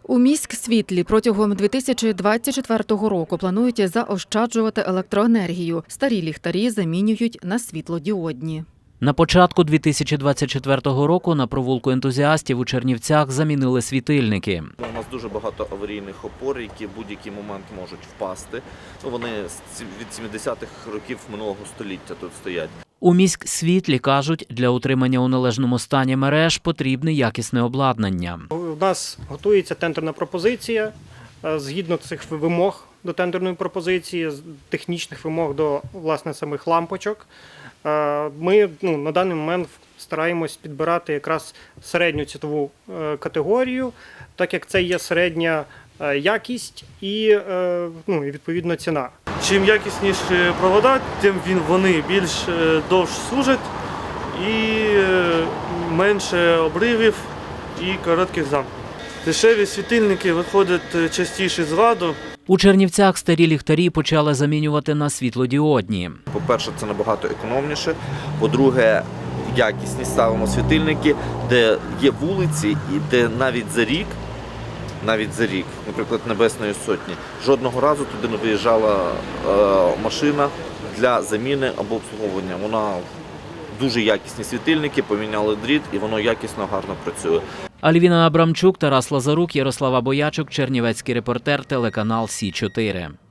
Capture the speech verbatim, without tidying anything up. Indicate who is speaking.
Speaker 1: У міськсвітлі протягом дві тисячі двадцять четвертого року планують заощаджувати електроенергію. Старі ліхтарі замінюють на світлодіодні.
Speaker 2: На початку дві тисячі двадцять четвертого року на провулку ентузіастів у Чернівцях замінили світильники.
Speaker 3: У нас дуже багато аварійних опор, які в будь-який момент можуть впасти. Вони від сімдесятих років минулого століття тут стоять.
Speaker 2: У міськсвітлі кажуть, для утримання у належному стані мереж потрібне якісне обладнання.
Speaker 4: У нас готується тендерна пропозиція. Згідно цих вимог до тендерної пропозиції, технічних вимог до, власне, самих лампочок, ми ну, на даний момент стараємось підбирати якраз середню цінову категорію, так як це є середня якість і, ну, і відповідно ціна.
Speaker 5: Чим якісніші провода, тим він, вони більш довше служать і менше обривів і коротких замків. Дешеві світильники виходять частіше з ладу.
Speaker 2: У Чернівцях старі ліхтарі почали замінювати на світлодіодні.
Speaker 3: По-перше, це набагато економніше. По-друге, якісні ставимо світильники, де є вулиці і де навіть за рік, навіть за рік, наприклад, Небесної Сотні, жодного разу туди не виїжджала е, машина для заміни або обслуговування. Вона дуже якісні світильники, поміняли дріт і воно якісно, гарно працює.
Speaker 2: Альвіна Абрамчук, Тарас Лазарук, Ярослава Боячук, Чернівецький репортер, телеканал Сі чотири.